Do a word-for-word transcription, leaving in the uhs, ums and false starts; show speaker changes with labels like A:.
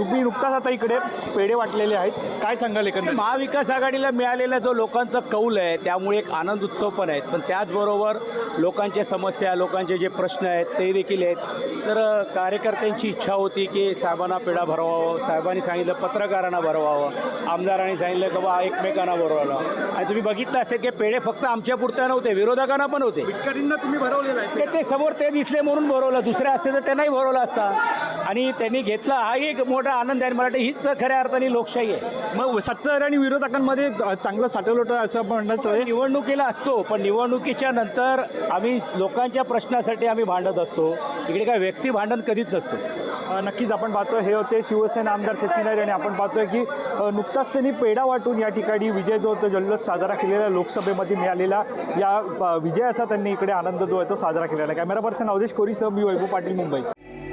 A: तुम्ही नुकताच आता इकडे पेढे वाटलेले आहेत, काय सांगाल एकंदरीत?
B: महाविकास आघाडीला मिळालेला जो लोकांचा कौल आहे त्यामुळे एक आनंद उत्सव पण आहेत, पण त्याचबरोबर लोकांच्या समस्या लोकांचे जे प्रश्न आहेत ते देखील आहेत. तर कार्यकर्त्यांची इच्छा होती की साहेबांना पेढा भरवावं, साहेबांनी सांगितलं पत्रकारांना भरवावं, आमदारांनी सांगितलं की बा एकमेकांना भरवावं. आणि तुम्ही बघितलं असेल की पेढे फक्त आमच्या पुरत्या नव्हते, विरोधकांना पण होते.
A: शेतकऱ्यांना तुम्ही भरवलेला आहे
B: ते ते समोर ते दिसले म्हणून भरवलं, दुसरे असते तर त्यांनाही भरवलं असता. आणि त्यांनी घेतला हाही एक मोठा आनंद आहे. मला वाटतं हीच खऱ्या अर्थाने लोकशाही आहे.
A: मग सत्ताधारी आणि विरोधकांमध्ये चांगलं साठवलं असं म्हणण्याचं
B: निवडणुकीला असतो, पण निवडणुकीच्या नंतर आम्ही लोकांच्या प्रश्नासाठी आम्ही भांडत असतो. इकडे काय व्यक्ती भांडण कधीच नसतो.
A: नक्कीच आपण पाहतोय हे होते शिवसेना आमदार सचिन नाईक आणि आपण पाहतोय की नुकताच त्यांनी पेढा वाटून या ठिकाणी विजय जो तो जल्लोष साजरा केलेला लोकसभेमध्ये मिळालेला या विजयाचा त्यांनी इकडे आनंद जो आहे तो साजरा केलेला आहे. कॅमेरा पर्सन अवधेश कोरीसह मी वैभव पाटील, मुंबई.